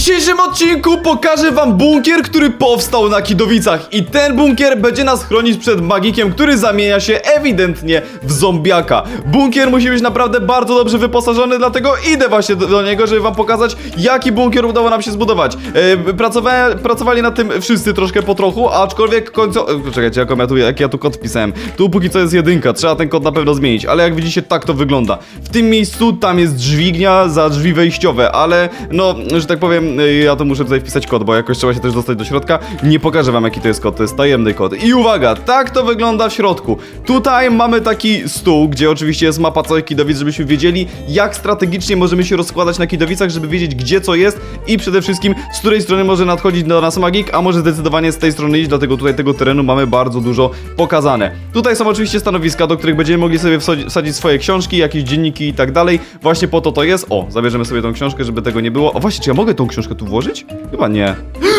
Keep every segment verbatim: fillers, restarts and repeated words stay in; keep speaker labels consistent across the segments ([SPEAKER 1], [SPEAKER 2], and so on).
[SPEAKER 1] dzisiejszym odcinku pokażę wam bunkier, który powstał na Kidowicach. I ten bunkier będzie nas chronić przed magikiem, który zamienia się ewidentnie w zombiaka. Bunkier musi być naprawdę bardzo dobrze wyposażony, dlatego idę właśnie do, do niego, żeby wam pokazać, jaki bunkier udało nam się zbudować. E, pracowałem, pracowali nad tym wszyscy troszkę po trochu, aczkolwiek końco... E, czekajcie, jak ja, tu, jak ja tu kod wpisałem. Tu póki co jest jedynka, trzeba ten kod na pewno zmienić, ale jak widzicie, tak to wygląda. W tym miejscu tam jest dźwignia za drzwi wejściowe, ale no, że tak powiem, ja to muszę tutaj wpisać kod, bo jakoś trzeba się też dostać do środka. Nie pokażę wam, jaki to jest kod, to jest tajemny kod. I uwaga, tak to wygląda w środku. Tutaj mamy taki stół, gdzie oczywiście jest mapa całych Kidowic, żebyśmy wiedzieli, jak strategicznie możemy się rozkładać na Kidowicach, żeby wiedzieć, gdzie co jest i przede wszystkim, z której strony może nadchodzić do nas magik, a może zdecydowanie z tej strony iść, dlatego tutaj tego terenu mamy bardzo dużo pokazane. Tutaj są oczywiście stanowiska, do których będziemy mogli sobie wsadzić swoje książki, jakieś dzienniki i tak dalej. Właśnie po to to jest. O, zabierzemy sobie tą książkę, żeby tego nie było. O, właśnie, czy ja mogę tą książkę tu włożyć? Chyba nie.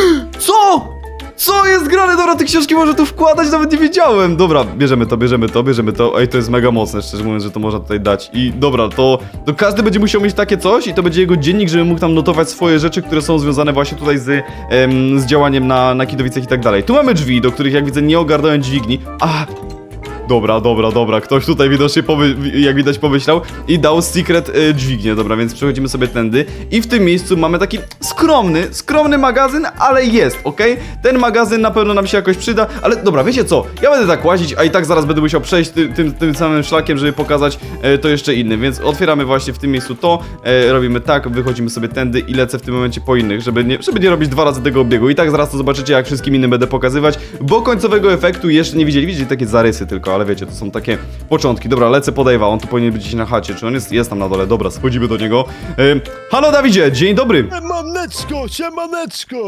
[SPEAKER 1] Co? Co jest grane? Dobra, te książki może tu wkładać, nawet nie wiedziałem. Dobra, bierzemy to, bierzemy to, bierzemy to. Ej, to jest mega mocne, szczerze mówiąc, że to można tutaj dać. I dobra, to, to każdy będzie musiał mieć takie coś i to będzie jego dziennik, żeby mógł tam notować swoje rzeczy, które są związane właśnie tutaj z, em, z działaniem na, na Kidowicach i tak dalej. Tu mamy drzwi, do których jak widzę nie ogarnąłem dźwigni. A! Dobra, dobra, dobra, ktoś tutaj widocznie, jak widać, pomyślał i dał secret y, dźwignię, dobra, więc przechodzimy sobie tędy i w tym miejscu mamy taki skromny, skromny magazyn, ale jest, okej? Okay? Ten magazyn na pewno nam się jakoś przyda, ale dobra, wiecie co, ja będę tak łazić, a i tak zaraz będę musiał przejść ty, tym, tym samym szlakiem, żeby pokazać y, to jeszcze innym, więc otwieramy właśnie w tym miejscu to, y, robimy tak, wychodzimy sobie tędy i lecę w tym momencie po innych, żeby nie, żeby nie robić dwa razy tego obiegu i tak zaraz to zobaczycie, jak wszystkim innym będę pokazywać, bo końcowego efektu jeszcze nie widzieli, widzicie takie zarysy tylko, ale wiecie, to są takie początki. Dobra, lecę po Dave'a, on tu powinien być gdzieś na chacie, czy on jest, jest tam na dole, dobra, schodzimy do niego. Yy, halo Dawidzie, dzień dobry!
[SPEAKER 2] Siemaneczko, siemaneczko!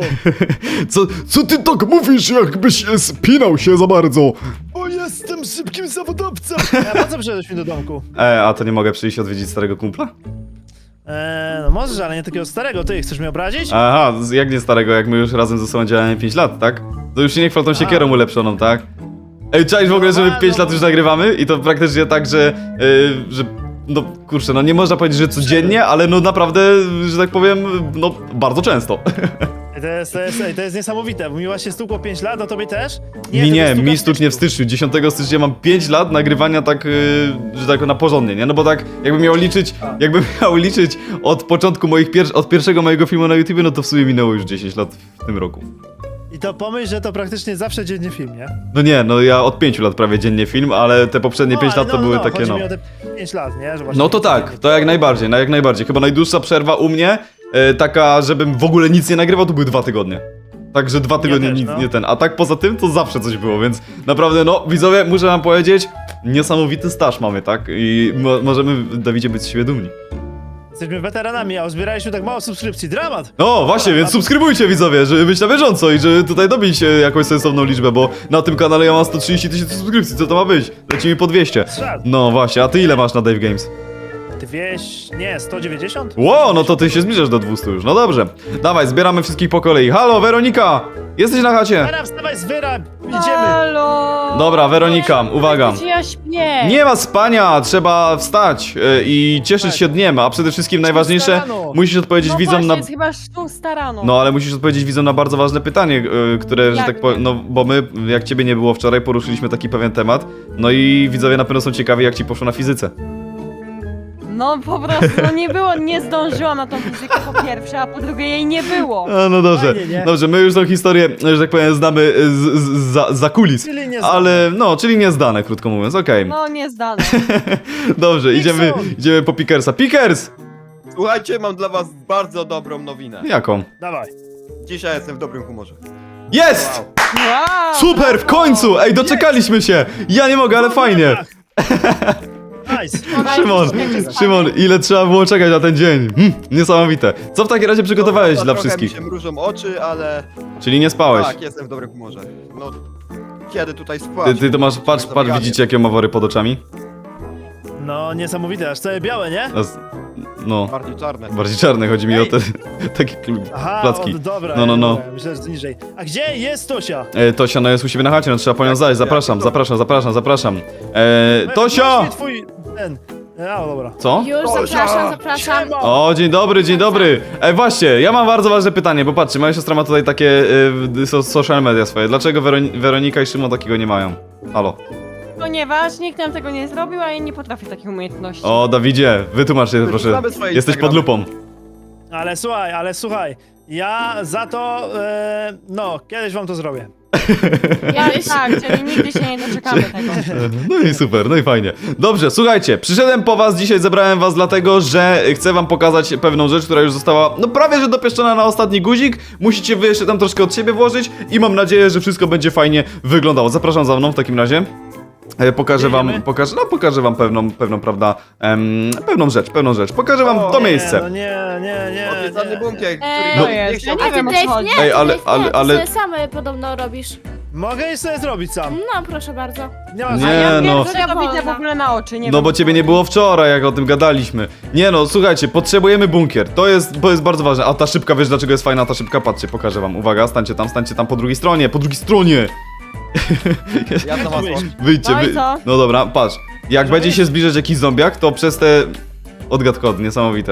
[SPEAKER 1] Co, co ty tak mówisz, jakbyś spinał się za bardzo?
[SPEAKER 2] Bo jestem szybkim zawodowcem! A po co przyszedłeś mi do domku?
[SPEAKER 1] E, a to nie mogę przyjść odwiedzić starego kumpla?
[SPEAKER 2] Eee, no możesz, ale nie takiego starego, ty chcesz mnie obrazić?
[SPEAKER 1] Aha, jak nie starego, jak my już razem ze sobą działamy pięć lat, tak? To już się nie chwal tą siekierą ulepszoną, tak? Ej, czaisz w ogóle, że my pięć lat już nagrywamy i to praktycznie tak, że, yy, że no kurczę, no nie można powiedzieć, że codziennie, ale no naprawdę, że tak powiem, no bardzo często.
[SPEAKER 2] To jest, to jest, to jest niesamowite, bo mi właśnie stukło pięć lat, a tobie też?
[SPEAKER 1] Nie,
[SPEAKER 2] to
[SPEAKER 1] nie,
[SPEAKER 2] stuka
[SPEAKER 1] mi stuknie w styczniu, dziesiątego stycznia mam pięć lat nagrywania tak, yy, że tak na porządnie, nie? No bo tak, jakbym miał liczyć, jakbym miał liczyć od początku moich, pier od pierwszego mojego filmu na YouTubie, no to w sumie minęło już dziesięć lat w tym roku.
[SPEAKER 2] I to pomyśl, że to praktycznie zawsze dziennie film, nie?
[SPEAKER 1] No nie, no ja od pięciu lat prawie dziennie film, ale te poprzednie
[SPEAKER 2] No,
[SPEAKER 1] pięć
[SPEAKER 2] ale
[SPEAKER 1] lat to
[SPEAKER 2] no,
[SPEAKER 1] były
[SPEAKER 2] no,
[SPEAKER 1] takie
[SPEAKER 2] chodzi
[SPEAKER 1] no.
[SPEAKER 2] mi o te pięć lat, nie? Że właśnie
[SPEAKER 1] No to tak, to jak najbardziej, no jak najbardziej. Chyba najdłuższa przerwa u mnie, e, taka, żebym w ogóle nic nie nagrywał, to były dwa tygodnie. Także dwa tygodnie
[SPEAKER 2] też,
[SPEAKER 1] nic
[SPEAKER 2] no.
[SPEAKER 1] nie ten. A tak poza tym to zawsze coś było, więc naprawdę no, widzowie, muszę wam powiedzieć, niesamowity staż mamy, tak? I mo możemy, Dawidzie, być z siebie dumni.
[SPEAKER 2] Jesteśmy weteranami, a uzbieraliśmy tak mało subskrypcji, dramat!
[SPEAKER 1] No właśnie, więc subskrybujcie, widzowie, żeby być na bieżąco i żeby tutaj dobić e, jakąś sensowną liczbę, bo na tym kanale ja mam sto trzydzieści tysięcy subskrypcji, co to ma być? Lecimy po dwieście.
[SPEAKER 2] Strzał.
[SPEAKER 1] No właśnie, a ty ile masz na Dave Games?
[SPEAKER 2] dwieście, nie, sto dziewięćdziesiąt?
[SPEAKER 1] Ło, no to ty się zbliżasz do dwustu już, no dobrze. Dawaj, zbieramy wszystkich po kolei. Halo, Weronika! Jesteś na chacie?
[SPEAKER 2] Teraz wstawaj z wyra, idziemy!
[SPEAKER 3] Halo!
[SPEAKER 1] Dobra, Weronika, uwaga.
[SPEAKER 3] Gdzie ja śpię?
[SPEAKER 1] Nie ma spania, trzeba wstać yy, i cieszyć się dniem, a przede wszystkim najważniejsze,
[SPEAKER 2] rano.
[SPEAKER 1] musisz odpowiedzieć
[SPEAKER 3] No
[SPEAKER 1] widzom
[SPEAKER 3] właśnie,
[SPEAKER 1] na...
[SPEAKER 3] jest chyba szósta rano.
[SPEAKER 1] No, ale musisz odpowiedzieć widzom na bardzo ważne pytanie, yy, które, że
[SPEAKER 3] Jak
[SPEAKER 1] tak powiem,
[SPEAKER 3] nie?
[SPEAKER 1] no, bo my, jak ciebie nie było wczoraj, poruszyliśmy taki pewien temat, no i widzowie na pewno są ciekawi, jak ci poszło na fizyce.
[SPEAKER 3] No po prostu, no nie było, nie zdążyłam na tą fizykę po pierwsze, a po drugie jej nie było.
[SPEAKER 1] A, no dobrze,
[SPEAKER 2] Fajnie, nie?
[SPEAKER 1] dobrze, my już tą historię, że tak powiem, znamy z, z, za, za kulis,
[SPEAKER 2] Czyli nie znamy.
[SPEAKER 1] ale, no, czyli nie zdane, krótko mówiąc, okej.
[SPEAKER 3] No nie zdane.
[SPEAKER 1] Dobrze, idziemy,
[SPEAKER 2] Nixon!
[SPEAKER 1] idziemy po Pickersa. Pickers!
[SPEAKER 4] Słuchajcie, mam dla was bardzo dobrą nowinę.
[SPEAKER 1] Jaką?
[SPEAKER 2] Dawaj.
[SPEAKER 4] Dzisiaj jestem w dobrym humorze.
[SPEAKER 1] Jest!
[SPEAKER 3] Wow,
[SPEAKER 1] Super, w
[SPEAKER 3] brawo.
[SPEAKER 1] końcu! Ej, doczekaliśmy się! Ja nie mogę, ale fajnie!
[SPEAKER 2] Nice.
[SPEAKER 1] Szymon, Szymon, ile trzeba było czekać na ten dzień? Hm, niesamowite. Co w takim razie przygotowałeś
[SPEAKER 4] No,
[SPEAKER 1] dla
[SPEAKER 4] trochę
[SPEAKER 1] wszystkich?
[SPEAKER 4] mi się mrużą oczy, ale
[SPEAKER 1] Czyli nie spałeś?
[SPEAKER 4] tak, jestem w dobrym humorze. No, kiedy tutaj
[SPEAKER 1] Ty,
[SPEAKER 4] spać?
[SPEAKER 1] ty to masz, patrz, patrz, widzicie jakie ma wory pod oczami?
[SPEAKER 2] No niesamowite, aż całe białe, nie?
[SPEAKER 1] A z- No,
[SPEAKER 4] Bardziej czarne.
[SPEAKER 1] bardziej czarne, chodzi mi o
[SPEAKER 2] Ej.
[SPEAKER 1] te takie kl-
[SPEAKER 2] Aha,
[SPEAKER 1] placki.
[SPEAKER 2] o, dobra,
[SPEAKER 1] No, no, no.
[SPEAKER 2] dobra, myślę, że to niżej. A gdzie jest Tosia?
[SPEAKER 1] E, Tosia, no jest u siebie na chacie, no trzeba po nią zajść. Zapraszam, zapraszam, zapraszam, zapraszam. E, Tosia!
[SPEAKER 2] Właśnie twój, ten, No dobra.
[SPEAKER 1] Co?
[SPEAKER 5] Już,
[SPEAKER 4] O,
[SPEAKER 5] zapraszam, zapraszam.
[SPEAKER 2] Siema.
[SPEAKER 1] O, dzień dobry, dzień dobry. Ej, właśnie, ja mam bardzo ważne pytanie, bo patrzcie, moja siostra ma tutaj takie y, so, social media swoje. Dlaczego Weron Weronika i Szymon takiego nie mają? Halo.
[SPEAKER 3] Ponieważ nikt nam tego nie zrobił, a ja nie potrafię takich umiejętności.
[SPEAKER 1] O, Dawidzie, wytłumacz się proszę.
[SPEAKER 4] Znamy swoje
[SPEAKER 1] Jesteś pod
[SPEAKER 4] Instagramy.
[SPEAKER 1] lupą.
[SPEAKER 2] Ale słuchaj, ale słuchaj. Ja za to, e, no, kiedyś wam to zrobię.
[SPEAKER 5] Kiedyś.
[SPEAKER 3] Tak, czyli nigdy się nie doczekamy tego.
[SPEAKER 1] No i super, no i fajnie. Dobrze, słuchajcie, przyszedłem po was, dzisiaj zebrałem was dlatego, że chcę wam pokazać pewną rzecz, która już została, no prawie że dopieszczona na ostatni guzik. Musicie wy jeszcze tam troszkę od siebie włożyć i mam nadzieję, że wszystko będzie fajnie wyglądało. Zapraszam za mną w takim razie. E, Pokażę wam,
[SPEAKER 2] Jedziemy?
[SPEAKER 1] pokażę, no pokażę wam pewną, pewną, prawda, em, pewną rzecz, pewną rzecz. Pokażę wam
[SPEAKER 4] O,
[SPEAKER 1] to
[SPEAKER 2] Nie,
[SPEAKER 1] miejsce.
[SPEAKER 2] no nie, nie, nie.
[SPEAKER 4] Obiecany
[SPEAKER 2] nie.
[SPEAKER 4] bunkier,
[SPEAKER 3] Eee,
[SPEAKER 4] który
[SPEAKER 3] to
[SPEAKER 4] nie
[SPEAKER 3] jest,
[SPEAKER 4] chciał
[SPEAKER 3] ja nie
[SPEAKER 5] A ty
[SPEAKER 3] wiem, o co
[SPEAKER 5] Dave
[SPEAKER 3] chodzi.
[SPEAKER 5] nie?
[SPEAKER 1] Ej, ale-
[SPEAKER 5] Dave,
[SPEAKER 1] ale-
[SPEAKER 5] nie,
[SPEAKER 1] ale-
[SPEAKER 5] Ty sobie same podobno robisz.
[SPEAKER 2] Mogę i sobie zrobić sam.
[SPEAKER 5] No, proszę bardzo.
[SPEAKER 2] Nie ma
[SPEAKER 1] Nie,
[SPEAKER 3] A ja
[SPEAKER 1] no.
[SPEAKER 3] pierwsze to widzę w ogóle na oczy, nie
[SPEAKER 1] No
[SPEAKER 3] wiem,
[SPEAKER 1] bo
[SPEAKER 3] o co
[SPEAKER 1] ciebie nie
[SPEAKER 3] chodzi.
[SPEAKER 1] było wczoraj, jak o tym gadaliśmy. Nie no, słuchajcie, potrzebujemy bunkier. To jest, to jest bardzo ważne. A ta szybka, wiesz dlaczego jest fajna ta szybka? Patrzcie, pokażę wam. Uwaga, stańcie tam, stańcie tam po drugiej stronie, po drugiej stronie.
[SPEAKER 4] Ja to was
[SPEAKER 2] Wyjść.
[SPEAKER 1] Wyjdźcie,
[SPEAKER 3] No i
[SPEAKER 1] wy...
[SPEAKER 3] co?
[SPEAKER 1] No dobra, patrz. Jak
[SPEAKER 2] Może
[SPEAKER 1] będzie
[SPEAKER 2] wyjść?
[SPEAKER 1] się zbliżać jakiś zombiak, to przez te... Odgad kod, niesamowite.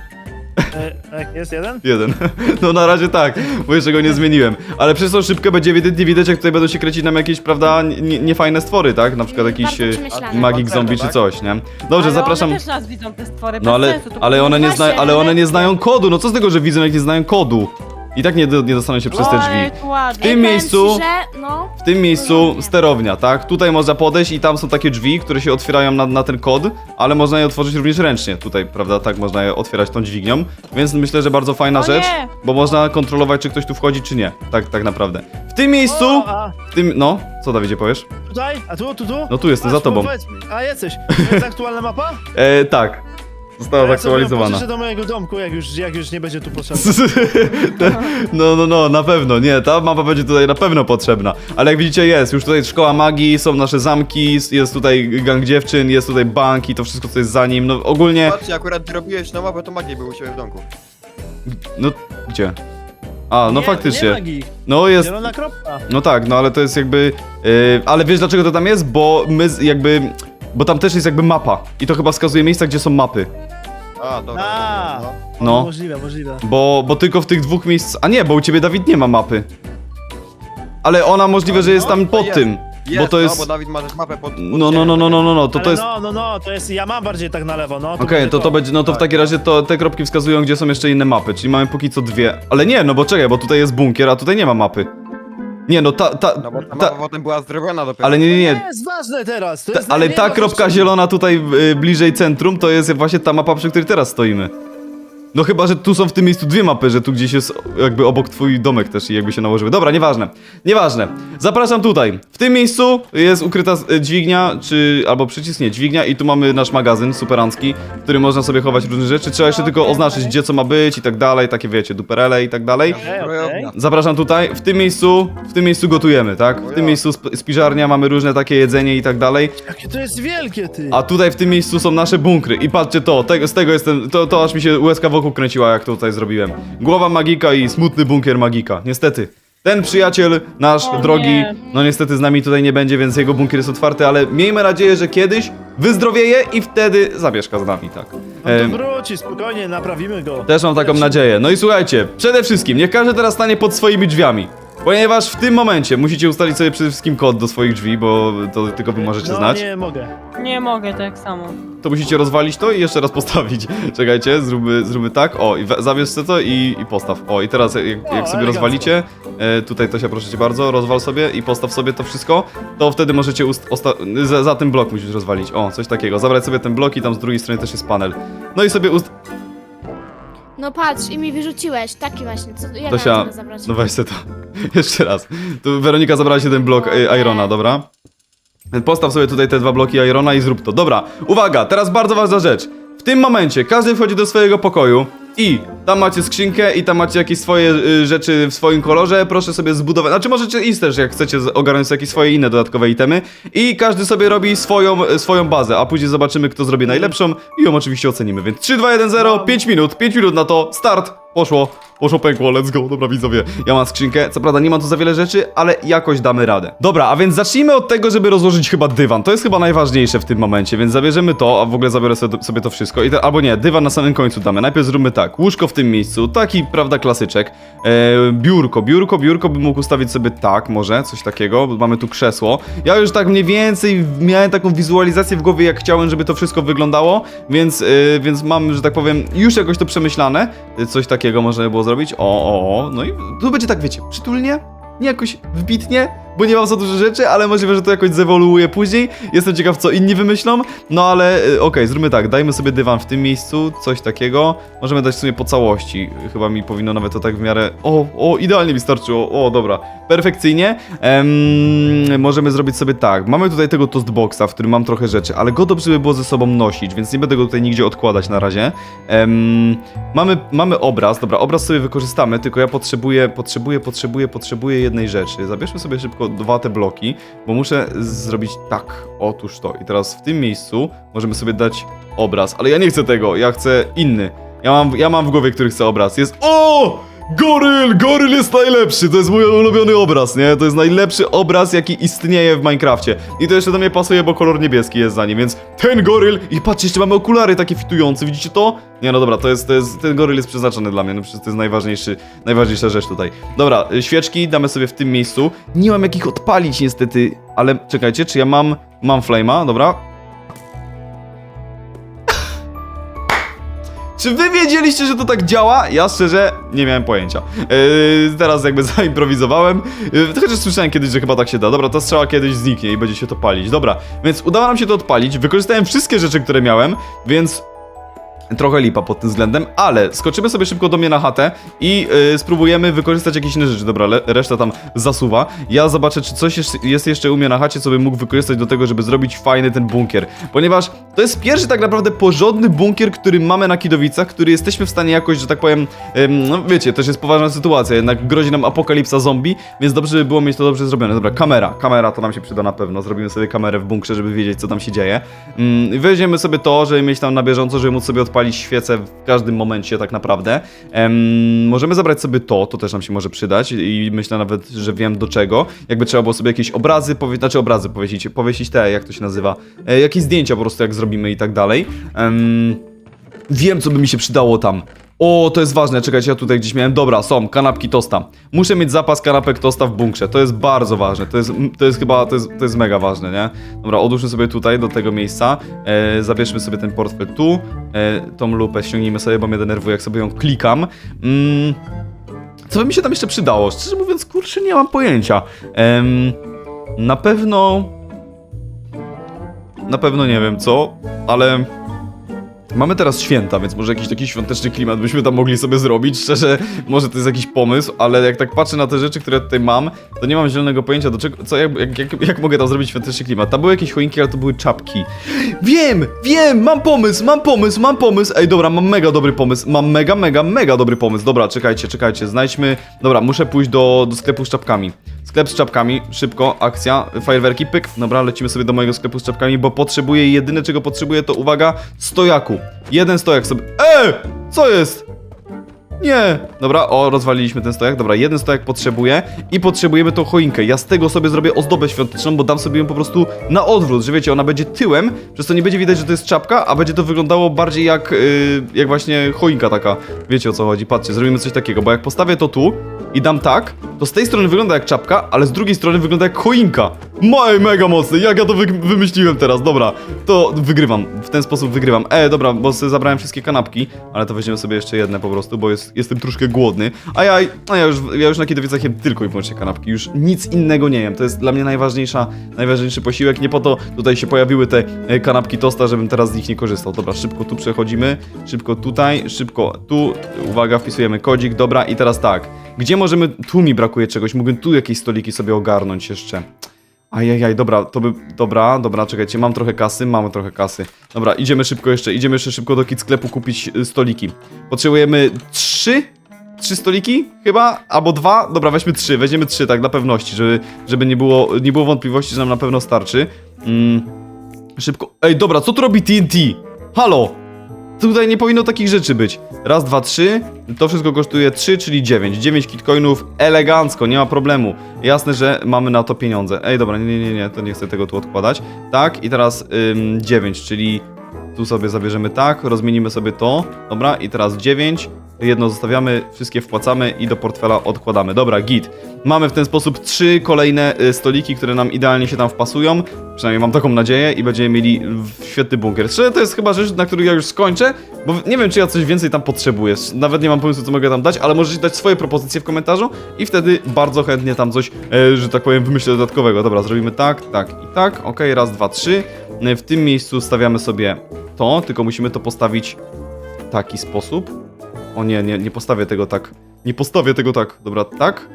[SPEAKER 2] E, jak jest jeden?
[SPEAKER 1] Jeden. No na razie tak, bo jeszcze go nie zmieniłem. Ale przez tą szybkę będzie ewidentnie widać, jak tutaj będą się kręcić nam jakieś, prawda, nie- niefajne stwory, tak? Na przykład jakiś
[SPEAKER 5] Bardzo
[SPEAKER 1] e,
[SPEAKER 5] przemyślane.
[SPEAKER 1] magik zombie czy
[SPEAKER 4] tak?
[SPEAKER 1] coś, nie? Dobrze,
[SPEAKER 3] Ale
[SPEAKER 1] zapraszam.
[SPEAKER 3] one też nas widzą, te stwory,
[SPEAKER 1] No
[SPEAKER 3] bez
[SPEAKER 1] ale,
[SPEAKER 3] sensu, to
[SPEAKER 1] ale one nie
[SPEAKER 5] Właśnie,
[SPEAKER 1] znają, ale one nie
[SPEAKER 3] ale-
[SPEAKER 1] znają kodu. No co z tego, że widzą, jak nie znają kodu? I tak nie, do- nie dostaną się przez te
[SPEAKER 3] Oj,
[SPEAKER 1] drzwi.
[SPEAKER 3] tu ładnie.
[SPEAKER 1] W tym
[SPEAKER 5] Powiem
[SPEAKER 1] miejscu-
[SPEAKER 5] ci, że, no,
[SPEAKER 1] W tym miejscu sterownia, tak? Tutaj można podejść i tam są takie drzwi, które się otwierają na, na ten kod, ale można je otworzyć również ręcznie. Tutaj, prawda? Tak można je otwierać tą dźwignią. Więc myślę, że bardzo fajna
[SPEAKER 3] O
[SPEAKER 1] rzecz,
[SPEAKER 3] nie!
[SPEAKER 1] bo można kontrolować, czy ktoś tu wchodzi, czy nie. Tak, tak naprawdę. W tym miejscu,
[SPEAKER 2] O, a
[SPEAKER 1] w tym, no, co Dawidzie powiesz?
[SPEAKER 2] tutaj? A tu, tu, tu?
[SPEAKER 1] No tu jestem, za
[SPEAKER 2] Patrz,
[SPEAKER 1] tobą.
[SPEAKER 2] powiedz mi. A jesteś. To jest aktualna mapa?
[SPEAKER 1] E, tak. Została
[SPEAKER 2] Ja sobie ją
[SPEAKER 1] zaktualizowana.
[SPEAKER 2] pożyczę do mojego domku, jak już, jak już nie będzie tu potrzebna.
[SPEAKER 1] No, no, no, na pewno, nie, ta mapa będzie tutaj na pewno potrzebna. Ale jak widzicie jest, już tutaj szkoła magii, są nasze zamki, jest tutaj gang dziewczyn, jest tutaj bank i to wszystko co jest za nim, no ogólnie,
[SPEAKER 4] Patrzcie, akurat zrobiłeś na mapę, to magię był u siebie w domku.
[SPEAKER 1] no, gdzie? A, no
[SPEAKER 2] Nie,
[SPEAKER 1] faktycznie,
[SPEAKER 2] Nie magii.
[SPEAKER 1] no jest,
[SPEAKER 2] Zielona kropka.
[SPEAKER 1] no tak, no ale to jest jakby, yy, ale wiesz dlaczego to tam jest? Bo my z- jakby, bo tam też jest jakby mapa i to chyba wskazuje miejsca, gdzie są mapy.
[SPEAKER 4] A, dobra.
[SPEAKER 2] A.
[SPEAKER 4] dobra,
[SPEAKER 1] No.
[SPEAKER 2] Możliwe, możliwe.
[SPEAKER 1] Bo, bo tylko w tych dwóch miejsc. A nie, bo u ciebie Dawid nie ma mapy. Ale ona możliwe, że jest tam
[SPEAKER 4] No, to
[SPEAKER 1] pod
[SPEAKER 4] jest.
[SPEAKER 1] tym.
[SPEAKER 4] Jest,
[SPEAKER 1] Bo to
[SPEAKER 4] no,
[SPEAKER 1] jest.
[SPEAKER 4] bo Dawid ma też mapę pod... pod
[SPEAKER 1] No, no,
[SPEAKER 4] ziemią,
[SPEAKER 1] no, no, no, no, no, to
[SPEAKER 2] Ale
[SPEAKER 1] to jest.
[SPEAKER 2] no, no, no, to jest, ja mam bardziej tak na lewo, no.
[SPEAKER 1] Okej,
[SPEAKER 2] będzie
[SPEAKER 1] to to będzie, no to w
[SPEAKER 4] Tak.
[SPEAKER 1] takim razie to te kropki wskazują, gdzie są jeszcze inne mapy, czyli mamy póki co dwie. Ale nie, no bo czekaj, bo tutaj jest bunkier, a tutaj nie ma mapy. Nie, no ta, ta,
[SPEAKER 4] No bo ta
[SPEAKER 1] ta
[SPEAKER 4] mapa potem była zrobiona dopiero.
[SPEAKER 1] ale nie, nie,
[SPEAKER 2] To
[SPEAKER 1] nie.
[SPEAKER 2] nie jest ważne teraz. To
[SPEAKER 1] Ta,
[SPEAKER 2] jest
[SPEAKER 1] ale
[SPEAKER 2] najmniej
[SPEAKER 1] ta
[SPEAKER 2] ważne
[SPEAKER 1] kropka
[SPEAKER 2] rzecz.
[SPEAKER 1] zielona tutaj y, bliżej centrum, to jest właśnie ta mapa, przy której teraz stoimy. No chyba, że tu są w tym miejscu dwie mapy, że tu gdzieś jest jakby obok twój domek też i jakby się nałożyły. Dobra, nieważne. Nieważne. Zapraszam tutaj. W tym miejscu jest ukryta e, dźwignia, czy... albo przycisk, nie, dźwignia i tu mamy nasz magazyn superancki, w którym można sobie chować różne rzeczy. Trzeba jeszcze tylko oznaczyć, gdzie co ma być i tak dalej, takie wiecie, duperele i tak dalej.
[SPEAKER 2] Okej, okej.
[SPEAKER 4] Zbrojownia.
[SPEAKER 1] Zapraszam tutaj. W tym miejscu, w tym miejscu gotujemy, tak? W tym miejscu sp spiżarnia, mamy różne takie jedzenie i tak dalej.
[SPEAKER 2] Jakie to jest wielkie, ty.
[SPEAKER 1] A tutaj w tym miejscu są nasze bunkry. I patrzcie to, tego, z tego jestem, to, to aż mi się łezka wokół kręciła, jak to tutaj zrobiłem. Głowa magika i smutny bunkier magika. Niestety. Ten przyjaciel, nasz
[SPEAKER 3] O
[SPEAKER 1] drogi,
[SPEAKER 3] nie.
[SPEAKER 1] no niestety z nami tutaj nie będzie, więc jego bunkier jest otwarty, ale miejmy nadzieję, że kiedyś wyzdrowieje i wtedy zamieszka z nami, tak.
[SPEAKER 2] No
[SPEAKER 1] Em,
[SPEAKER 2] to wróci, spokojnie, naprawimy go.
[SPEAKER 1] też mam taką nadzieję. No i słuchajcie, przede wszystkim niech każdy teraz stanie pod swoimi drzwiami. Ponieważ w tym momencie musicie ustalić sobie przede wszystkim kod do swoich drzwi, bo to tylko wy możecie
[SPEAKER 2] no,
[SPEAKER 1] znać.
[SPEAKER 2] nie mogę.
[SPEAKER 3] Nie mogę tak samo.
[SPEAKER 1] To musicie rozwalić to i jeszcze raz postawić. Czekajcie, zróbmy, zróbmy tak. O, i we- zabierz sobie to i, i postaw. O, i teraz jak, jak sobie
[SPEAKER 2] elegancko.
[SPEAKER 1] rozwalicie, e, tutaj to się proszę cię bardzo, rozwal sobie i postaw sobie to wszystko, to wtedy możecie ust- osta- za, za ten blok musisz rozwalić. O, coś takiego. Zabrać sobie ten blok i tam z drugiej strony też jest panel. No i sobie ust...
[SPEAKER 5] No patrz, i mi wyrzuciłeś. Taki właśnie, co ja
[SPEAKER 1] Tosia,
[SPEAKER 5] miałem zabrać.
[SPEAKER 1] no weź sobie to. Jeszcze raz. Tu Weronika zabrała się ten blok e, Irona, dobra? Postaw sobie tutaj te dwa bloki Irona i zrób to. Dobra, uwaga, teraz bardzo ważna rzecz. W tym momencie każdy wchodzi do swojego pokoju I tam macie skrzynkę i tam macie jakieś swoje y, rzeczy w swoim kolorze, proszę sobie zbudować, znaczy możecie iść też, jak chcecie z- ogarnąć sobie jakieś swoje inne dodatkowe itemy i każdy sobie robi swoją, y, swoją bazę, a później zobaczymy, kto zrobi najlepszą i ją oczywiście ocenimy, więc trzy, dwa, jeden, zero, pięć minut, pięć minut na to, start, poszło, poszło pękło, let's go, dobra widzowie, ja mam skrzynkę, co prawda nie mam tu za wiele rzeczy, ale jakoś damy radę. Dobra, a więc zacznijmy od tego, żeby rozłożyć chyba dywan, to jest chyba najważniejsze w tym momencie, więc zabierzemy to, a w ogóle zabiorę sobie, sobie to wszystko, I te, albo nie, dywan na samym końcu damy, najpierw zróbmy tak, łóżko w tym miejscu, taki, prawda, klasyczek, e, biurko, biurko, biurko bym mógł ustawić sobie tak, może, coś takiego, bo mamy tu krzesło, ja już tak mniej więcej miałem taką wizualizację w głowie, jak chciałem, żeby to wszystko wyglądało, więc, e, więc mam, że tak powiem, już jakoś to przemyślane, e, coś takiego można by było zrobić, o, o, o, no i tu będzie tak, wiecie, przytulnie, nie jakoś wbitnie, bo nie mam za dużo rzeczy, ale możliwe, że to jakoś zewoluuje później. Jestem ciekaw, co inni wymyślą, no ale y, okej, zróbmy tak, dajmy sobie dywan w tym miejscu, coś takiego. Możemy dać w sumie po całości, chyba mi powinno nawet to tak w miarę... O, o, idealnie mi starczyło, o, dobra, perfekcyjnie. Em, możemy zrobić sobie tak, mamy tutaj tego toastboxa, w którym mam trochę rzeczy, ale go dobrze by było ze sobą nosić, więc nie będę go tutaj nigdzie odkładać na razie. Em, mamy, mamy obraz, dobra, obraz sobie wykorzystamy, tylko ja potrzebuję, potrzebuję, potrzebuję, potrzebuję jednej rzeczy. Zabierzmy sobie szybko dwa te bloki, bo muszę zrobić tak, otóż to. I teraz w tym miejscu możemy sobie dać obraz, ale ja nie chcę tego, ja chcę inny. Ja mam, ja mam w głowie, który chce obraz. Jest... O! Goryl! Goryl jest najlepszy! To jest mój ulubiony obraz, nie? To jest najlepszy obraz, jaki istnieje w Minecrafcie. I to jeszcze do mnie pasuje, bo kolor niebieski jest za nim, więc ten goryl... I patrzcie, jeszcze mamy okulary takie fitujące, widzicie to? Nie, no dobra, to jest, to jest... Ten goryl jest przeznaczony dla mnie, no przecież to jest najważniejszy, najważniejsza rzecz tutaj. Dobra, świeczki damy sobie w tym miejscu. Nie mam jakich odpalić niestety, ale czekajcie, czy ja mam... Mam flame'a, dobra. Czy wy wiedzieliście, że to tak działa? Ja szczerze nie miałem pojęcia. Yy, teraz jakby zaimprowizowałem. Yy, chociaż słyszałem kiedyś, że chyba tak się da. Dobra, ta strzała kiedyś zniknie i będzie się to palić. Dobra, więc udało nam się to odpalić. Wykorzystałem wszystkie rzeczy, które miałem, więc... Trochę lipa pod tym względem, ale skoczymy sobie szybko do mnie na chatę i yy, spróbujemy wykorzystać jakieś inne rzeczy. Dobra, le, reszta tam zasuwa. Ja zobaczę, czy coś jest, jest jeszcze u mnie na chacie, co bym mógł wykorzystać do tego, żeby zrobić fajny ten bunkier. Ponieważ to jest pierwszy tak naprawdę porządny bunkier, który mamy na Kidowicach, który jesteśmy w stanie jakoś, że tak powiem, ym, no wiecie, też jest poważna sytuacja, jednak grozi nam apokalipsa zombie, więc dobrze by było mieć to dobrze zrobione. Dobra, kamera. Kamera to nam się przyda na pewno. Zrobimy sobie kamerę w bunkrze, żeby wiedzieć, co tam się dzieje. Ym, weźmiemy sobie to, żeby mieć tam na bieżąco, żeby móc sobie odpalić palić świecę w każdym momencie tak naprawdę. Ehm, możemy zabrać sobie to, to też nam się może przydać i myślę nawet, że wiem do czego. Jakby trzeba było sobie jakieś obrazy, powie... znaczy obrazy powiesić, powiesić te, jak to się nazywa, e, jakieś zdjęcia po prostu jak zrobimy i tak dalej. Ehm, wiem, co by mi się przydało tam. O, to jest ważne, czekajcie, ja tutaj gdzieś miałem, dobra, są, kanapki tosta. Muszę mieć zapas kanapek tosta w bunkrze, to jest bardzo ważne, to jest, to jest chyba, to jest, to jest mega ważne, nie? Dobra, odłóżmy sobie tutaj, do tego miejsca, e, zabierzmy sobie ten portfel tu, e, tą lupę ściągnijmy sobie, bo mnie denerwuje, jak sobie ją klikam. Mm, co by mi się tam jeszcze przydało? Szczerze mówiąc, kurczę, nie mam pojęcia. Ehm, na pewno... Na pewno nie wiem co, ale... Mamy teraz święta, więc może jakiś taki świąteczny klimat byśmy tam mogli sobie zrobić. Szczerze, może to jest jakiś pomysł, ale jak tak patrzę na te rzeczy, które tutaj mam, to nie mam zielonego pojęcia do czego, co, jak, jak, jak, jak mogę tam zrobić świąteczny klimat. Tam były jakieś choinki, ale to były czapki. Wiem, wiem, mam pomysł, mam pomysł, mam pomysł. Ej, dobra, mam mega dobry pomysł, mam mega, mega, mega dobry pomysł. Dobra, czekajcie, czekajcie, znajdźmy... Dobra, muszę pójść do, do sklepu z czapkami. Sklep z czapkami, szybko, akcja, fajerwerki, pyk. Dobra, lecimy sobie do mojego sklepu z czapkami, bo potrzebuję, jedyne czego potrzebuję to, uwaga, stojaku. Jeden stojak sobie... Eee! Co jest? Nie! Dobra, o, rozwaliliśmy ten stojak. Dobra, jeden stojak potrzebuję i potrzebujemy tą choinkę. Ja z tego sobie zrobię ozdobę świąteczną, bo dam sobie ją po prostu na odwrót, że wiecie, ona będzie tyłem, przez to nie będzie widać, że to jest czapka, a będzie to wyglądało bardziej jak, yy, jak właśnie choinka taka. Wiecie, o co chodzi? Patrzcie, zrobimy coś takiego, bo jak postawię to tu i dam tak, to z tej strony wygląda jak czapka, ale z drugiej strony wygląda jak choinka. Maj, mega mocny, jak ja to wy wymyśliłem teraz, dobra, to wygrywam, w ten sposób wygrywam. E, dobra, bo sobie zabrałem wszystkie kanapki, ale to weźmiemy sobie jeszcze jedne po prostu, bo jest, jestem troszkę głodny, a ja, a ja już, ja już na Kidowicach jem tylko i wyłącznie kanapki, już nic innego nie jem, to jest dla mnie najważniejsza, najważniejszy posiłek, nie po to tutaj się pojawiły te e, kanapki tosta, żebym teraz z nich nie korzystał. Dobra, szybko tu przechodzimy, szybko tutaj, szybko tu, uwaga, wpisujemy kodzik, dobra, i teraz tak, gdzie możemy, tu mi brakuje czegoś, mógłbym tu jakieś stoliki sobie ogarnąć jeszcze. Ajajaj, dobra, to by... Dobra, dobra, czekajcie, mam trochę kasy, mamy trochę kasy. Dobra, idziemy szybko jeszcze, idziemy jeszcze szybko do kit sklepu kupić y, stoliki. Potrzebujemy trzy? Trzy stoliki? Chyba? Albo dwa? Dobra, weźmy trzy, weźmiemy trzy, tak dla pewności, żeby, żeby nie, było, nie było wątpliwości, że nam na pewno starczy. Mm, szybko... Ej, dobra, co tu robi T N T? Halo! Tutaj nie powinno takich rzeczy być. Raz, dwa, trzy. To wszystko kosztuje trzy, czyli dziewięć. dziewięć kitcoinów elegancko, nie ma problemu. Jasne, że mamy na to pieniądze. Ej, dobra, nie, nie, nie, nie, to nie chcę tego tu odkładać. Tak, i teraz ym, dziewięć, czyli tu sobie zabierzemy tak, rozmienimy sobie to. Dobra, i teraz dziewięć. Jedno zostawiamy, wszystkie wpłacamy i do portfela odkładamy. Dobra, git. Mamy w ten sposób trzy kolejne y, stoliki, które nam idealnie się tam wpasują. Przynajmniej mam taką nadzieję i będziemy mieli w- świetny bunkier. Szczerze, to jest chyba rzecz, na której ja już skończę, bo nie wiem, czy ja coś więcej tam potrzebuję. Nawet nie mam pomysłu, co mogę tam dać, ale możecie dać swoje propozycje w komentarzu i wtedy bardzo chętnie tam coś, e, że tak powiem, wymyślę dodatkowego. Dobra, zrobimy tak, tak i tak. Okej, raz, dwa, trzy. E, W tym miejscu stawiamy sobie to, tylko musimy to postawić w taki sposób. O nie, nie, nie postawię tego tak. Nie postawię tego tak. Dobra, tak.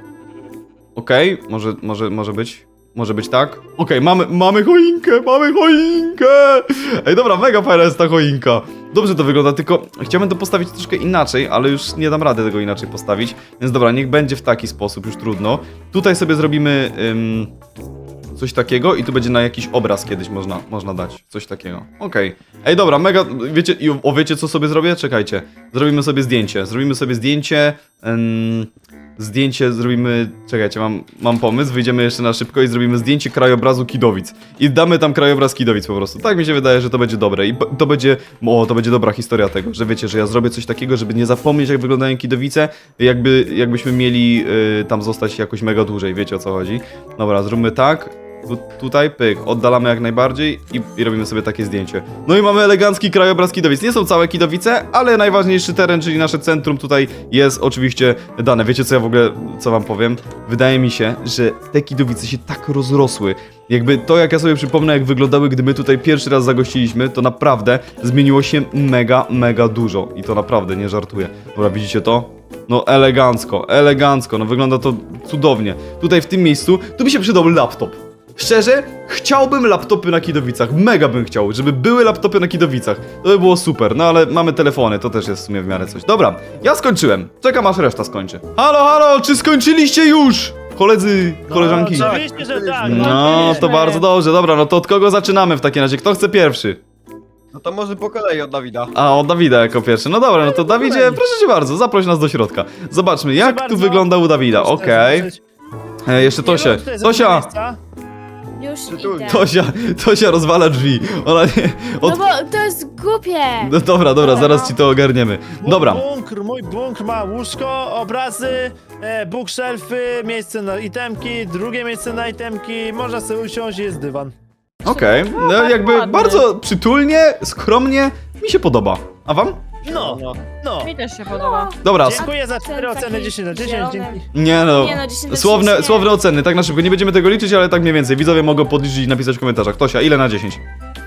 [SPEAKER 1] Okej, może, może, może być. Może być tak. Okej, mamy, mamy choinkę, mamy choinkę! Ej, dobra, mega fajna jest ta choinka. Dobrze to wygląda, tylko chciałbym to postawić troszkę inaczej, ale już nie dam rady tego inaczej postawić. Więc dobra, niech będzie w taki sposób, już trudno. Tutaj sobie zrobimy ym, coś takiego i tu będzie na jakiś obraz kiedyś można, można dać. Coś takiego. Okej. Ej, dobra, mega, wiecie, i o, wiecie co sobie zrobię? Czekajcie. Zrobimy sobie zdjęcie. Zrobimy sobie zdjęcie. Ym, zdjęcie zrobimy... Czekajcie, mam, mam pomysł. Wyjdziemy jeszcze na szybko i zrobimy zdjęcie krajobrazu Kidowic. I damy tam krajobraz Kidowic po prostu. Tak mi się wydaje, że to będzie dobre. I p- to będzie... O, to będzie dobra historia tego, że wiecie, że ja zrobię coś takiego, żeby nie zapomnieć, jak wyglądają Kidowice. Jakby, jakbyśmy mieli y, tam zostać jakoś mega dłużej. Wiecie, o co chodzi. Dobra, zróbmy tak. Tu, tutaj, pyk, oddalamy jak najbardziej i, i robimy sobie takie zdjęcie. No i mamy elegancki krajobraz Kidowic. Nie są całe Kidowice, ale najważniejszy teren, czyli nasze centrum tutaj jest oczywiście dane. Wiecie co ja w ogóle, co wam powiem? Wydaje mi się, że te Kidowice się tak rozrosły. Jakby to, jak ja sobie przypomnę, jak wyglądały, gdy my tutaj pierwszy raz zagościliśmy, to naprawdę zmieniło się mega, mega dużo. I to naprawdę, nie żartuję. Dobra, widzicie to? No elegancko, elegancko, no wygląda to cudownie. Tutaj w tym miejscu, tu mi się przydał laptop. Szczerze, chciałbym laptopy na Kidowicach, mega bym chciał, żeby były laptopy na Kidowicach. To by było super, no ale mamy telefony, to też jest w sumie w miarę coś. Dobra, ja skończyłem, czekam aż reszta skończy. Halo, halo, czy skończyliście już? Koledzy, koleżanki.
[SPEAKER 2] No, oczywiście, że tak.
[SPEAKER 1] No, to bardzo dobrze, dobra, no to od kogo zaczynamy w takim razie? Kto chce pierwszy?
[SPEAKER 4] No to może po kolei od Dawida.
[SPEAKER 1] A, od Dawida jako pierwszy. No dobra, no to Dawidzie, proszę cię bardzo, zaproś nas do środka. Zobaczmy, jak tu
[SPEAKER 2] bardzo.
[SPEAKER 1] wygląda u Dawida,
[SPEAKER 2] Proszę
[SPEAKER 1] okej.
[SPEAKER 2] zobaczyć.
[SPEAKER 1] E, Jeszcze
[SPEAKER 2] Nie
[SPEAKER 1] Tosie,
[SPEAKER 2] wiem, czy to jest
[SPEAKER 1] Tosia,
[SPEAKER 2] miejsca.
[SPEAKER 5] Już
[SPEAKER 4] Przytulnie.
[SPEAKER 5] idę.
[SPEAKER 1] Tosia, Tosia rozwala drzwi. Ona nie... Od...
[SPEAKER 5] No bo to jest głupie.
[SPEAKER 1] No dobra, dobra, zaraz ci to ogarniemy.
[SPEAKER 2] Mój
[SPEAKER 1] Dobra,
[SPEAKER 2] Bunkr, mój bunkr ma łóżko, obrazy, e, bookshelfy, miejsce na itemki, drugie miejsce na itemki, można sobie usiąść, jest dywan.
[SPEAKER 1] okej. No
[SPEAKER 3] tak
[SPEAKER 1] jakby
[SPEAKER 3] ładnie.
[SPEAKER 1] bardzo przytulnie, skromnie, mi się podoba. A wam?
[SPEAKER 2] No,
[SPEAKER 4] No.
[SPEAKER 2] no.
[SPEAKER 3] Mi też się podoba.
[SPEAKER 1] Dobra, s-
[SPEAKER 2] Dziękuję za cztery
[SPEAKER 5] Ten
[SPEAKER 2] oceny
[SPEAKER 5] taki
[SPEAKER 2] dziesięć na dziesięć,
[SPEAKER 5] zielony.
[SPEAKER 2] dzięki.
[SPEAKER 1] nie no,
[SPEAKER 5] Nie no, dziesięć na
[SPEAKER 1] słowne,
[SPEAKER 5] dziesięć nie.
[SPEAKER 1] słowne oceny, tak na szybko. Nie będziemy tego liczyć, ale tak mniej więcej. Widzowie mogą podliczyć i napisać w komentarzach. Tosia, ile na dziesięć?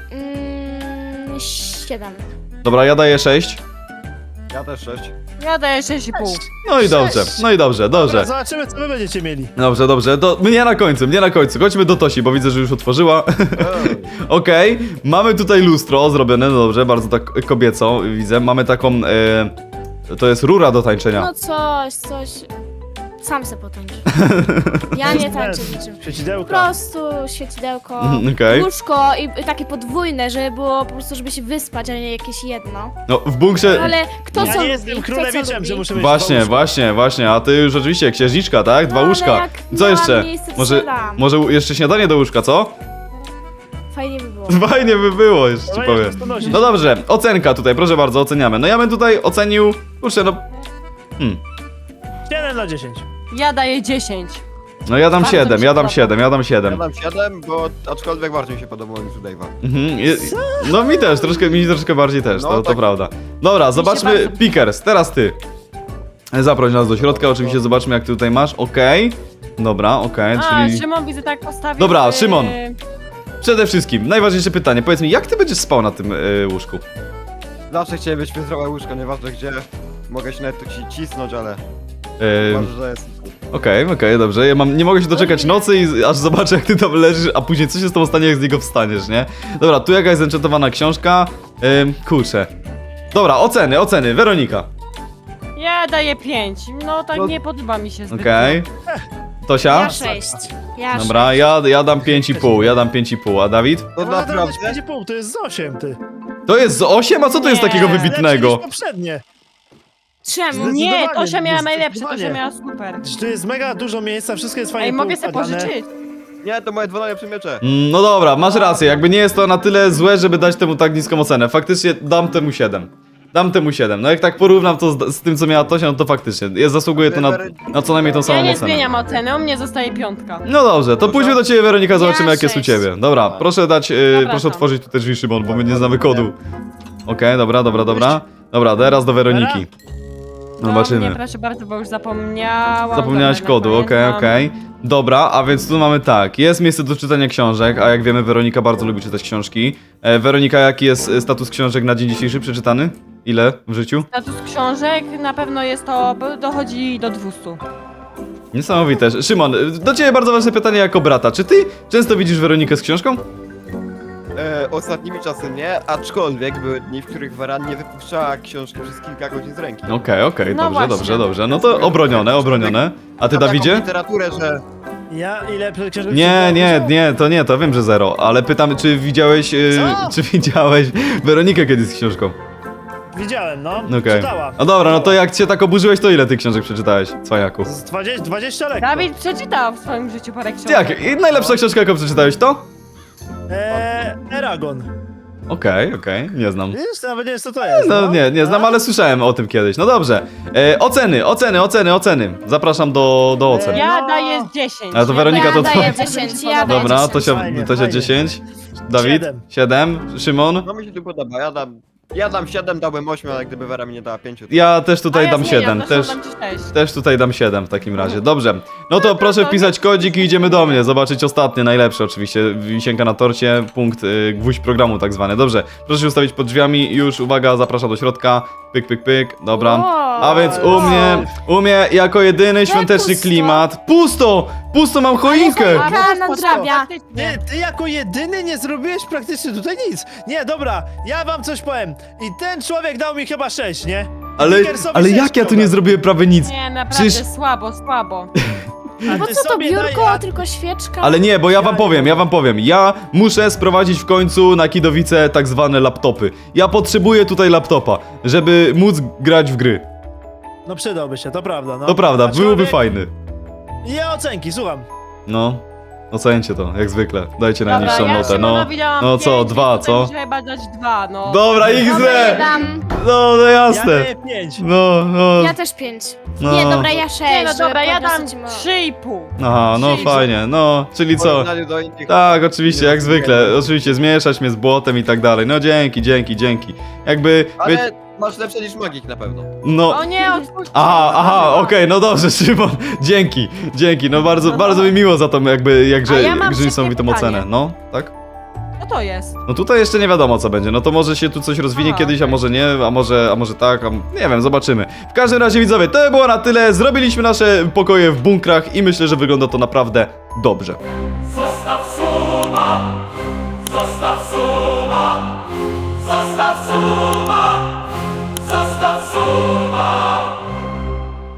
[SPEAKER 5] Mm, siedem.
[SPEAKER 1] Dobra, ja daję sześć.
[SPEAKER 4] Ja też sześć.
[SPEAKER 3] Ja daję sześć i pół.
[SPEAKER 1] No i dobrze, no i dobrze,
[SPEAKER 2] Dobra,
[SPEAKER 1] dobrze.
[SPEAKER 2] zobaczymy, co wy będziecie mieli.
[SPEAKER 1] Dobrze, dobrze, to mnie na końcu, mnie na końcu. Chodźmy do Tosi, bo widzę, że już otworzyła.
[SPEAKER 4] Ej,
[SPEAKER 1] Okej, mamy tutaj lustro zrobione, no dobrze, bardzo tak kobieco widzę. Mamy taką, e, to jest rura do tańczenia.
[SPEAKER 5] No coś, coś. Sam se potańcz. Ja nie tańczę niczym. Po
[SPEAKER 2] Świecidełka.
[SPEAKER 5] prostu świecidełko,
[SPEAKER 1] Okej.
[SPEAKER 5] łóżko i i takie podwójne, żeby było po prostu, żeby się wyspać, a nie jakieś jedno.
[SPEAKER 1] No, w bunkrze...
[SPEAKER 5] Ale kto
[SPEAKER 2] Ja
[SPEAKER 5] co
[SPEAKER 2] nie
[SPEAKER 5] lubi?
[SPEAKER 2] jestem
[SPEAKER 5] Kto co
[SPEAKER 2] królewiczem,
[SPEAKER 5] lubi?
[SPEAKER 2] że muszę mieć
[SPEAKER 1] Właśnie,
[SPEAKER 2] dwa łóżka.
[SPEAKER 1] właśnie, właśnie, a ty już oczywiście księżniczka, tak? Dwa
[SPEAKER 5] No, ale
[SPEAKER 1] łóżka.
[SPEAKER 5] jak
[SPEAKER 1] Co
[SPEAKER 5] miałam
[SPEAKER 1] jeszcze?
[SPEAKER 5] miejsce, to
[SPEAKER 1] Może,
[SPEAKER 5] strzelam.
[SPEAKER 1] może jeszcze śniadanie do łóżka, co?
[SPEAKER 5] Fajnie by było.
[SPEAKER 1] Fajnie by było, jeszcze ci
[SPEAKER 2] Dobra,
[SPEAKER 1] powiem.
[SPEAKER 2] jak to nosić?
[SPEAKER 1] No dobrze, ocenka tutaj, proszę bardzo, oceniamy. No ja bym tutaj ocenił, kurczę, no... Hmm.
[SPEAKER 2] siedem na dziesięć.
[SPEAKER 3] Ja daję dziesięć.
[SPEAKER 1] No ja dam
[SPEAKER 3] Bardzo mi
[SPEAKER 1] siedem,
[SPEAKER 3] się
[SPEAKER 1] ja dam
[SPEAKER 3] podoba.
[SPEAKER 1] siedem, ja dam
[SPEAKER 4] Ja
[SPEAKER 1] siedem.
[SPEAKER 4] dam siedem, bo aczkolwiek bardziej mi się podobało niż u Dave'a.
[SPEAKER 1] Mhm. je- No mi też, troszkę, mi troszkę bardziej też,
[SPEAKER 4] No,
[SPEAKER 1] to, to
[SPEAKER 4] tak.
[SPEAKER 1] prawda. Dobra, zobaczmy,
[SPEAKER 3] bardzo-
[SPEAKER 1] Pickers, teraz ty. Zaproś nas do środka, oczywiście zobaczmy jak ty tutaj masz, okej. Dobra, okej,
[SPEAKER 3] A,
[SPEAKER 1] czyli...
[SPEAKER 3] Szymon widzę tak postawił.
[SPEAKER 1] Dobra,
[SPEAKER 3] yy,
[SPEAKER 1] Szymon. Przede wszystkim, najważniejsze pytanie, powiedz mi, jak ty będziesz spał na tym y, łóżku?
[SPEAKER 4] Zawsze chciałem być piętrowe łóżko, nieważne gdzie. Mogę się nawet tu ci cisnąć, ale...
[SPEAKER 1] Yy,
[SPEAKER 4] Może, że jest...
[SPEAKER 1] Okej, okej, dobrze. Ja mam, nie mogę się doczekać nocy i aż zobaczę, jak ty tam leżysz, a później co się z tobą stanie, jak z niego wstaniesz, nie? Dobra, tu jakaś zenchantowana książka. Ym, kurczę. Dobra, oceny, oceny. Weronika.
[SPEAKER 3] Ja daję pięć. No tak
[SPEAKER 4] No-
[SPEAKER 3] nie podoba mi się zbyt.
[SPEAKER 1] Okej. Tosia?
[SPEAKER 5] Ja sześć. Ja
[SPEAKER 1] Dobra, ja, ja dam pięć i pół, ja dam pięć i pół, a Dawid?
[SPEAKER 4] To
[SPEAKER 2] No naprawdę?
[SPEAKER 4] naprawdę?
[SPEAKER 2] pięć i pół, to jest z osiem, ty.
[SPEAKER 1] To jest z osiem? A co to jest
[SPEAKER 3] Nie.
[SPEAKER 1] takiego
[SPEAKER 2] Lepsze
[SPEAKER 1] wybitnego?
[SPEAKER 2] niż poprzednie.
[SPEAKER 5] Czemu?
[SPEAKER 3] Nie,
[SPEAKER 2] Zdecydowanie,
[SPEAKER 3] Tosia miała najlepsze,
[SPEAKER 2] zdecydowanie.
[SPEAKER 3] Tosia miała super.
[SPEAKER 2] Tu jest mega dużo miejsca, wszystko jest fajnie
[SPEAKER 3] Ej, mogę sobie
[SPEAKER 2] poukładane.
[SPEAKER 3] pożyczyć.
[SPEAKER 4] Nie, to moje dwa najlepsze miecze.
[SPEAKER 1] Mm, No dobra, masz rację, jakby nie jest to na tyle złe, żeby dać temu tak niską ocenę. Faktycznie dam temu siedem. Dam temu siedem. No jak tak porównam to z, z tym, co miała Tosia, no to faktycznie. Ja zasługuję to na, na co najmniej tą
[SPEAKER 3] Ja
[SPEAKER 1] samą
[SPEAKER 3] nie
[SPEAKER 1] ocenę.
[SPEAKER 3] zmieniam oceny, u mnie zostaje piątka.
[SPEAKER 1] No dobrze, to pójdźmy do ciebie, Weronika, zobaczymy
[SPEAKER 5] Ja
[SPEAKER 1] jak jest u
[SPEAKER 5] sześć.
[SPEAKER 1] ciebie. Dobra, proszę dać, yy,
[SPEAKER 3] Zapraszam.
[SPEAKER 1] proszę otworzyć tu te drzwi, Szymon, bo my nie znamy kodu. Okej, dobra, dobra, dobra. Dobra, teraz do Weroniki.
[SPEAKER 3] No,
[SPEAKER 1] Zobaczymy.
[SPEAKER 3] Nie, proszę bardzo, bo już zapomniałam.
[SPEAKER 1] Zapomniałaś
[SPEAKER 3] Dobra,
[SPEAKER 1] kodu, okej,
[SPEAKER 3] zapamiętam.
[SPEAKER 1] okej. Dobra, a więc tu mamy tak, jest miejsce do czytania książek, a jak wiemy Weronika bardzo lubi czytać książki. E, Weronika, jaki jest e, status książek na dzień dzisiejszy przeczytany? Ile w życiu?
[SPEAKER 3] Status książek na pewno jest to, bo dochodzi do dwustu.
[SPEAKER 1] Niesamowite. Szymon, e, do ciebie bardzo ważne pytanie jako brata. Czy ty często widzisz Weronikę z książką?
[SPEAKER 4] E, ostatnimi czasy nie, aczkolwiek były dni, w których Waran nie wypuszczała książki przez kilka godzin z ręki.
[SPEAKER 1] Okej, okej,
[SPEAKER 3] No
[SPEAKER 1] dobrze,
[SPEAKER 3] właśnie.
[SPEAKER 1] dobrze, dobrze. No to obronione, obronione. A ty,
[SPEAKER 4] Mam taką
[SPEAKER 1] Dawidzie?
[SPEAKER 4] literaturę, że...
[SPEAKER 2] Ja ile książek
[SPEAKER 1] Nie, nie,
[SPEAKER 2] przeczytałem?
[SPEAKER 1] nie, to nie, to wiem, że zero, ale pytam, czy widziałeś, e,
[SPEAKER 2] Co?
[SPEAKER 1] czy widziałeś Weronikę kiedyś z książką?
[SPEAKER 2] Widziałem, no.
[SPEAKER 1] Okej.
[SPEAKER 2] Czytała.
[SPEAKER 1] No dobra, no to jak cię tak oburzyłeś, to ile tych książek przeczytałeś, cwajaku?
[SPEAKER 2] Z dwadzieścia, dwadzieścia lekko.
[SPEAKER 3] Dawid przeczytał w swoim życiu parę książek.
[SPEAKER 1] Jak? I najlepsza książka, jaką przeczytałeś, to?
[SPEAKER 2] Eee, Eragon.
[SPEAKER 1] Okej, okej, nie znam.
[SPEAKER 2] Wiesz, nawet nie wiem co to jest.
[SPEAKER 1] No nie, nie znam, ale słyszałem o tym kiedyś. No dobrze. E, oceny, oceny, oceny, oceny. Zapraszam do, do ocen.
[SPEAKER 3] Ja
[SPEAKER 2] No.
[SPEAKER 3] daję dziesięć.
[SPEAKER 1] Ale to Weronika
[SPEAKER 5] Ja
[SPEAKER 1] to to...
[SPEAKER 5] daję dziesięć, ja daję
[SPEAKER 1] Dobra,
[SPEAKER 5] dziesięć.
[SPEAKER 1] to się,
[SPEAKER 2] Fajnie,
[SPEAKER 1] to się
[SPEAKER 2] fajnie.
[SPEAKER 1] dziesięć. Dawid?
[SPEAKER 2] Siedem.
[SPEAKER 1] siedem. Szymon?
[SPEAKER 4] No mi się tu podoba, ja dam... Ja dam siedem, dałbym osiem, ale gdyby Wera mi nie dała pięć, to...
[SPEAKER 1] Ja też
[SPEAKER 3] A
[SPEAKER 1] tutaj
[SPEAKER 3] ja
[SPEAKER 1] dam
[SPEAKER 3] zmieniam,
[SPEAKER 1] siedem.
[SPEAKER 3] zresztą
[SPEAKER 1] Też,
[SPEAKER 3] dam ci sześć.
[SPEAKER 1] też tutaj dam siedem w takim razie. Dobrze. No to proszę
[SPEAKER 3] to
[SPEAKER 1] wpisać kodzik i idziemy do mnie. Zobaczyć ostatnie, najlepsze oczywiście. Wisienka na torcie, punkt, y, gwóźdź programu tak zwany. Dobrze. Proszę się ustawić pod drzwiami. Już, uwaga, zapraszam do środka. Pyk, pyk, pyk. Dobra.
[SPEAKER 5] Wow.
[SPEAKER 1] A więc u mnie, u mnie jako jedyny świąteczny
[SPEAKER 5] pusto.
[SPEAKER 1] klimat. Pusto! Pusto mam choinkę!
[SPEAKER 5] choinka.
[SPEAKER 3] A,
[SPEAKER 5] nadrabia.
[SPEAKER 3] faktycznie.
[SPEAKER 2] Nie, ty jako jedyny nie zrobiłeś praktycznie tutaj nic. Nie, dobra, ja wam coś powiem. I ten człowiek dał mi chyba sześć, nie?
[SPEAKER 1] Ale,
[SPEAKER 2] Wickersowi
[SPEAKER 1] ale
[SPEAKER 2] sześć
[SPEAKER 1] jak ja tu
[SPEAKER 2] dałem.
[SPEAKER 1] nie zrobiłem prawie nic?
[SPEAKER 3] Nie, naprawdę
[SPEAKER 1] Przecież-
[SPEAKER 3] słabo, słabo.
[SPEAKER 2] A
[SPEAKER 5] Po
[SPEAKER 2] ty
[SPEAKER 5] co to
[SPEAKER 2] sobie
[SPEAKER 5] biurko,
[SPEAKER 2] daj- a-
[SPEAKER 5] tylko świeczka?
[SPEAKER 1] Ale nie, bo ja wam
[SPEAKER 2] Ja
[SPEAKER 1] powiem,
[SPEAKER 2] nie
[SPEAKER 1] ja wam powiem. Ja muszę sprowadzić w końcu na Kidowice tak zwane laptopy. Ja potrzebuję tutaj laptopa, żeby móc grać w gry.
[SPEAKER 2] No przydałby się, to prawda, no.
[SPEAKER 1] To prawda,
[SPEAKER 2] A
[SPEAKER 1] byłoby
[SPEAKER 2] człowiek-
[SPEAKER 1] fajny.
[SPEAKER 2] Ja ocenki, słucham.
[SPEAKER 1] No, ocencie to, jak zwykle. Dajcie
[SPEAKER 3] Dobra,
[SPEAKER 1] najniższą
[SPEAKER 3] ja
[SPEAKER 1] notę, no.
[SPEAKER 3] Szymonowi dałam
[SPEAKER 1] No co,
[SPEAKER 3] pięć,
[SPEAKER 1] dwa,
[SPEAKER 3] więc
[SPEAKER 1] co?
[SPEAKER 3] tutaj muszę chyba dać dwa, no.
[SPEAKER 1] Dobra,
[SPEAKER 5] Ja
[SPEAKER 1] X D!
[SPEAKER 5] dam...
[SPEAKER 1] No, no
[SPEAKER 2] Ja
[SPEAKER 1] jasne.
[SPEAKER 2] daję pięć.
[SPEAKER 1] No, no.
[SPEAKER 5] Ja też pięć.
[SPEAKER 1] No.
[SPEAKER 5] Nie, dobra, ja sześć.
[SPEAKER 3] Nie, no
[SPEAKER 5] żeby
[SPEAKER 3] dobra, ja
[SPEAKER 5] podniosę
[SPEAKER 3] dam
[SPEAKER 5] ci mo-
[SPEAKER 3] trzy i pół.
[SPEAKER 1] Aha, no
[SPEAKER 3] Czyli-
[SPEAKER 1] fajnie, no, czyli
[SPEAKER 4] W
[SPEAKER 1] co?
[SPEAKER 4] porównaniu do innych...
[SPEAKER 1] Tak, oczywiście, jak zwykle. Oczywiście, zmieszać mnie z błotem i tak dalej. No dzięki, dzięki, dzięki. Jakby, wie,
[SPEAKER 4] Ale masz lepsze niż magik na pewno.
[SPEAKER 1] no...
[SPEAKER 3] O nie, odpuśćcie.
[SPEAKER 1] Aha, aha, okej, no dobrze, Szymon, dzięki, dzięki, no bardzo,
[SPEAKER 3] No
[SPEAKER 1] bardzo mi miło za tą jakby, jakże,
[SPEAKER 3] A ja mam
[SPEAKER 1] jakże
[SPEAKER 3] szybkie
[SPEAKER 1] niesamowitą
[SPEAKER 3] pytanie.
[SPEAKER 1] ocenę, no, tak?
[SPEAKER 3] Co to jest?
[SPEAKER 1] No tutaj jeszcze nie wiadomo co będzie, no to może się tu coś rozwinie
[SPEAKER 3] Aha,
[SPEAKER 1] kiedyś, a
[SPEAKER 3] okej.
[SPEAKER 1] może nie, a może, a może tak, a nie wiem, zobaczymy. W każdym razie widzowie, to było na tyle, zrobiliśmy nasze pokoje w bunkrach i myślę, że wygląda to naprawdę dobrze.
[SPEAKER 6] Zostaw suba, zostaw suba, zostaw suba.